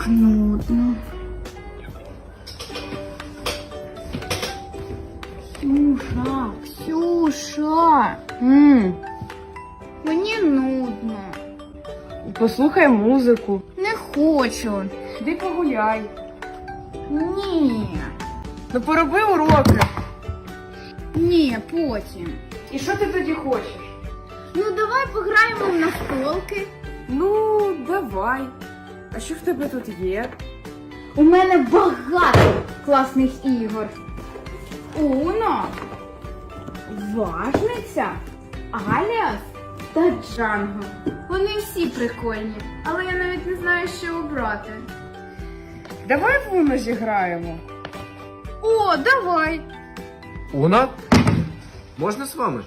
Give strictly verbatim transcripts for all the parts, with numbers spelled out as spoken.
Як нудно. Ксюша, Ксюша, М, мені нудно. Послухай музику. Не хочу. Іди погуляй. Ні. Ну пороби уроки. Ні, потім. І що ти тоді хочеш? Ну давай пограємо в настолки. Ну, давай. А що в тебе тут є? У мене багато класних ігор. Уно, Важниця, Аліас та Джанго. Вони всі прикольні, але я навіть не знаю, що обрати. Давай в Уно зіграємо. О, давай! Уна? Можна з вами?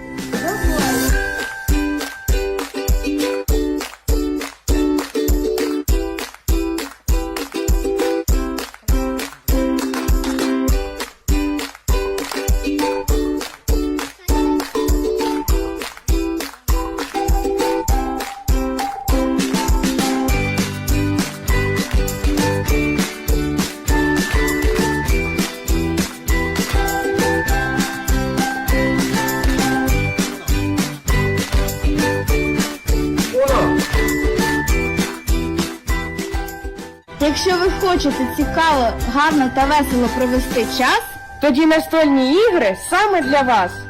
Уна! Якщо ви хочете цікаво, гарно та весело провести час, Тоді настольні ігри саме для вас.